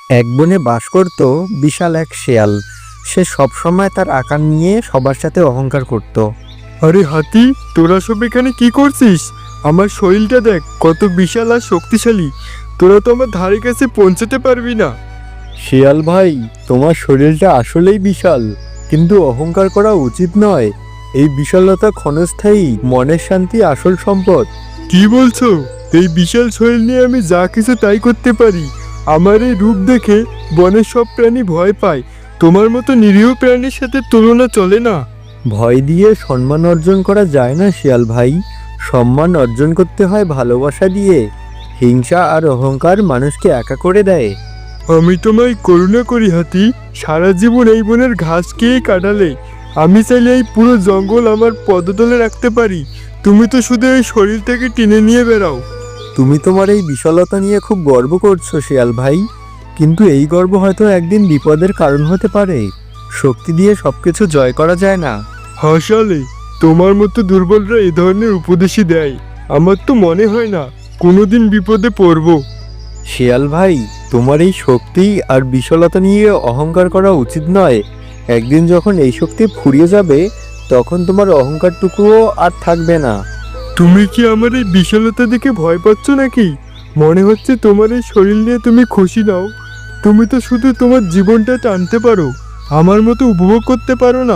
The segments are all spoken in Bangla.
এক বনে বাস করত বিশাল এক শেয়াল। সে সবসময় তার আকার নিয়ে সবার সাথে অহংকার করত। আরে হাতি, তোরা সব এখানে কি করছিস? আমার শরীরটা দেখ কত বিশাল আর শক্তিশালী। তোরা তো আমার ধারে কাছে পৌঁছাতে পারবি না। শিয়াল ভাই, তোমার শরীরটা আসলেই বিশাল, কিন্তু অহংকার করা উচিত নয়। এই বিশালতা ক্ষণস্থায়ী, মনের শান্তি আসল সম্পদ। কি বলছো? এই বিশাল শরীর নিয়ে আমি যা কিছু তাই করতে পারি। আমার এই রূপ দেখে বনের সব প্রাণী ভয় পায়। তোমার মতো নিরীহ প্রাণীর সাথে তুলনা চলে না। ভয় দিয়ে সম্মান অর্জন করা যায় না শিয়াল ভাই। সম্মান অর্জন করতে হয় ভালোবাসা দিয়ে। হিংসা আর অহংকার মানুষকে একা করে দেয়। আমি তোমায় করুণা করি হাতি। সারা জীবন এই বনের ঘাস খেয়ে কাটালে। আমি চাইলে এই পুরো জঙ্গল আমার পদতলে রাখতে পারি। তুমি তো শুধু এই শরীরটাকে টেনে নিয়ে বেড়াও। তুমি তোমার এই বিশালতা নিয়ে খুব গর্ব করছো শিয়াল ভাই, কিন্তু এই গর্ব হয়তো একদিন বিপদের কারণ হতে পারে। শক্তি দিয়ে সবকিছু জয় করা যায় না। হাসালে, তোমার মতো দুর্বলরা এ ধরনের উপদেশই দেয়। আমার তো মনে হয় না কোনোদিন বিপদে পড়বো। শিয়াল ভাই, তোমার এই শক্তি আর বিশালতা নিয়ে অহংকার করা উচিত নয়। একদিন যখন এই শক্তি ফুরিয়ে যাবে, তখন তোমার অহংকারটুকুও আর থাকবে না। তুমি কি আমার এই বিশালতা দেখে ভয় পাচ্ছ নাকি? মনে হচ্ছে তোমার এই শরীর নিয়ে তুমি খুশি নাও। তুমি তো শুধু তোমার জীবনটা টানতে পারো, আমার মতো উপভোগ করতে পারো না।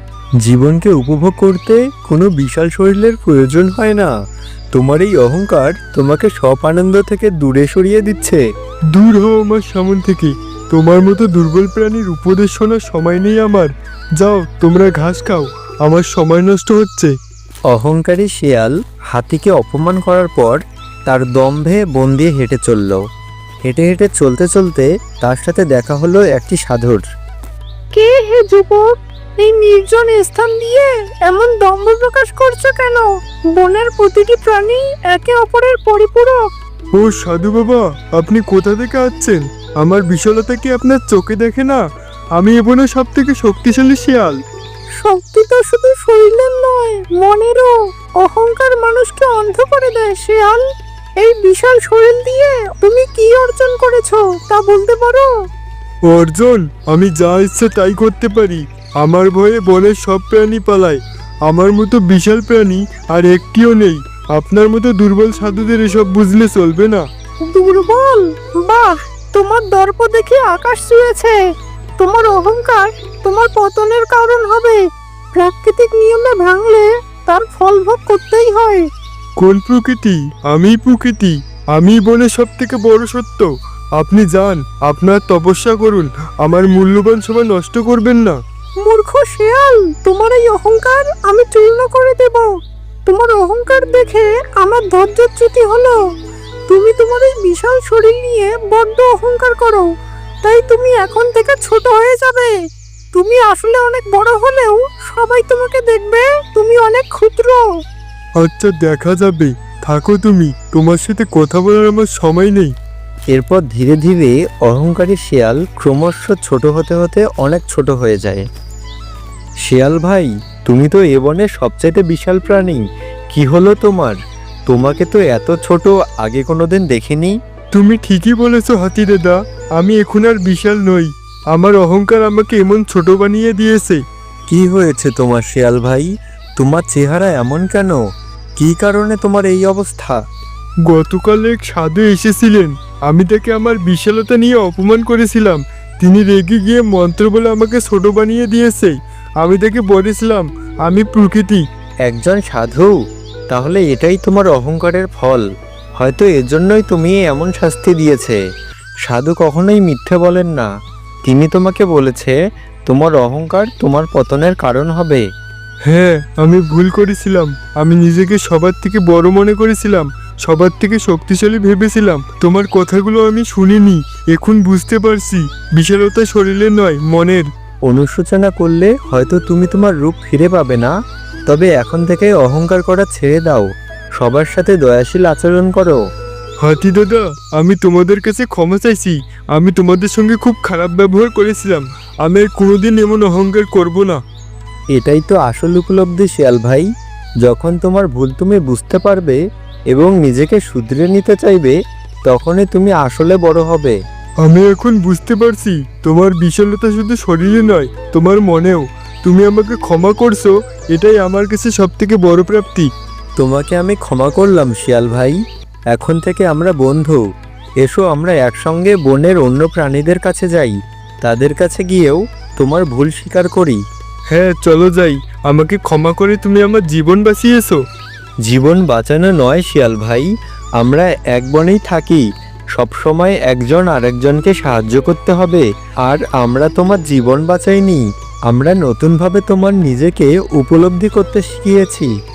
জীবনকে উপভোগ করতে কোনো বিশাল শরীরের প্রয়োজন হয় না। তোমার এই অহংকার তোমাকে সব আনন্দ থেকে দূরে সরিয়ে দিচ্ছে। দূর হও আমার সামন থেকে। তোমার মতো দুর্বল প্রাণীর উপদেশ শোনার সময় নেই আমার। যাও, তোমরা ঘাস খাও, আমার সময় নষ্ট হচ্ছে। অহংকারী শিয়াল হাতিকে অপমান করার পর তার দম্ভে বন দিয়ে হেঁটে চলল। হেঁটে হেঁটে চলতে চলতে তার সাথে দেখা হলো একটি সাধুর। কে হে যুবক, এই নির্জন স্থান দিয়ে এমন দম্ভ প্রকাশ করছো কেন? বনের প্রতিটি প্রাণী একে অপরের পরিপূরক। ও সাধু বাবা, আপনি কোথা থেকে আসছেন? আমার বিশালতা কি আপনার চোখে দেখে না? আমি এখানে সব থেকে শক্তিশালী শিয়াল। শক্তি তো শুধু শরীরের নয়, মনেরও। অহংকার মানুষকে অন্ধ করে দেয় শিয়াল। এই বিশাল শরীর দিয়ে তুমি কি অর্জন করেছো তা বলতে পারো? অর্জুন, আমি যা ইচ্ছে তাই করতে পারি। আমার ভয়ে বনের সব প্রাণী পালায়। আমার মতো বিশাল প্রাণী আর একটিও নেই। আপনার মতো দুর্বল সাধুদের এসব বুঝলে চলবে না। দুর্বল? বাহ, তোমার দর্প দেখে আকাশ ছুঁয়েছে। তোমার অহংকার তোমার পতনের কারণ হবে। প্রাকৃতিক নিয়মে ভাঙলে তার ফল ভোগ করতেই হয়। কোন প্রকৃতি? আমি প্রকৃতি। আমি বনের সব থেকে বড় সত্য। আপনি যান, আপনার তপস্যা করুন। আমার মূল্যবান সময় নষ্ট করবেন না। মূর্খ শিয়াল, তোমার এই অহংকার আমি চূর্ণ করে দেব। তোমার অহংকার দেখে আমার ধৈর্যচ্যুতি হলো। তুমি তোমার এই বিশাল শরীর নিয়ে বড্ড অহংকার করো, তাই তুমি এখন থেকে ছোট হয়ে যাবে। তুমি আসলে অনেক বড় হলেও সবাই তোমাকে দেখবে তুমি অনেক ক্ষুদ্র। আচ্ছা, দেখা যাবে। থাকো তুমি, তোমার সাথে কথা বলার আমার সময় নেই। এরপর ধীরে ধীরে অহংকারী শিয়াল ক্রমশ ছোট হতে হতে অনেক ছোট হয়ে যায়। শিয়াল ভাই, তুমি তো এ বনের সবচাইতে বিশাল প্রাণী। কি হলো তোমার? তোমাকে তো এত ছোট আগে কোনোদিন দেখিনি। তুমি ঠিকই বলেছো হাতি দাদা, আমি এখন আর বিশাল নই। আমার অহংকার আমাকে এমন ছোট বানিয়ে দিয়েছে। কি হয়েছে তোমার শিয়াল ভাই? তোমার চেহারা এমন কেন? কি কারণে তোমার এই অবস্থা? গতকাল এক সাধু এসেছিলেন। আমি তাকে আমার বিশালতা নিয়ে অপমান করেছিলাম। তিনি রেগে গিয়ে মন্ত্র বলে আমাকে ছোট বানিয়ে দিয়েছে। আমি তাকে বলেছিলাম আমি প্রকৃতি। একজন সাধু? তাহলে এটাই তোমার অহংকারের ফল। হয়তো এজন্যই তুমি এমন শাস্তি দিয়েছে। সাধু কখনোই মিথ্যে বলেন না। তিনি তোমাকে বলেছে তোমার অহংকার তোমার পতনের কারণ হবে। হ্যাঁ, আমি ভুল করেছিলাম। আমি নিজেকে সবার থেকে বড় মনে করেছিলাম, সবার থেকে শক্তিশালী ভেবেছিলাম। তোমার কথাগুলো আমি শুনিনি। এখন বুঝতে পারছি বিশালতা শরীরের নয়, মনের। অনুশোচনা করলে হয়তো তুমি তোমার রূপ ফিরে পাবে না। তবে এখন থেকে অহংকার করা ছেড়ে দাও। সবার সাথে দয়াশীল আচরণ করো। হাতি দাদা, আমি তোমাদের কাছে ক্ষমা চাইছি। আমি তোমাদের সঙ্গে খুব খারাপ ব্যবহার করেছিলাম। আমি আর কোনোদিন এমন অহংকার করব না। এটাই তো আসল উপলব্ধি শিয়াল ভাই। যখন তোমার ভুল তুমি বুঝতে পারবে এবং নিজেকে শুধরে নিতে চাইবে, তখনই তুমি আসলে বড় হবে। আমি এখন বুঝতে পারছি তোমার বিশালতা শুধু শরীরে নয়, তোমার মনেও। তুমি আমাকে ক্ষমা করছো, এটাই আমার কাছে সবথেকে বড় প্রাপ্তি। তোমাকে আমি ক্ষমা করলাম শিয়াল ভাই। এখন থেকে আমরা বন্ধু। এসো আমরা একসঙ্গে বনের অন্য প্রাণীদের কাছে যাই, তাদের কাছে গিয়েও তোমার ভুল স্বীকার করি। হ্যাঁ চলো যাই। আমাকে ক্ষমা করে তুমি আমার জীবন বাঁচিয়েছো। জীবন বাঁচানো নয় শিয়াল ভাই, আমরা এক বনেই থাকি, সবসময় একজন আরেকজনকে সাহায্য করতে হবে। আর আমরা তোমার জীবন বাঁচাইনি, আমরা নতুনভাবে তোমার নিজেকে উপলব্ধি করতে শিখিয়েছি।